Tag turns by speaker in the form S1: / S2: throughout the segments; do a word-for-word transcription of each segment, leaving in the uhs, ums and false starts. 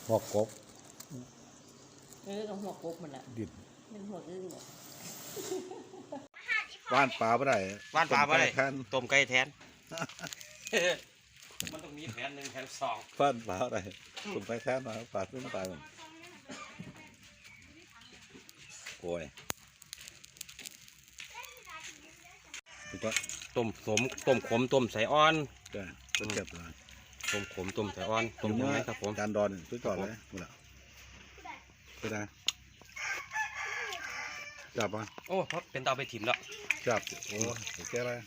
S1: หัวกบ
S2: เออกับหัวกบมันอ่ะ
S1: ดิบ
S2: เป็นหัวอึ้งหรอ
S1: ว่านปลาไม่ได้
S3: ว่านปลาไม่ได้
S1: แทน
S3: ต้มไก่แทนมันต้องมีแผนหนึ่งแผนสอง
S1: ว่านปลาอะไรต้มไก่แทนมาปลาขึ้นไปมันโอ้ยก็
S3: ต้มสมต้มขมต้มใส่อ่อน
S1: ก็เจ็บเลย
S3: ต้มขมต้มใส่อ่อนต้มยังไงครับผม
S1: จานดอนสุดยอดเลยหมดแล้วไปได้จับป่ะ
S3: โอ้เป็นเตาไปถิ่มแล้ว
S1: จับโอ้โอเคเลย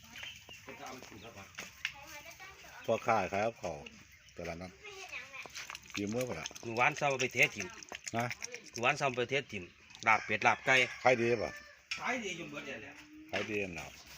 S1: พอขายครับเขาแต่ละนั้นยืมเมื่อไหร่
S3: หนูหวานเศร้าไปเทถิ่ม
S1: นะ
S3: หนูหวานเศร้าไปเทถิ่มลาบเป็ดลาบไก่
S1: ขายดีป่ะ
S3: ขายดีจนเบิดเลย
S1: ขายดีอันหนาว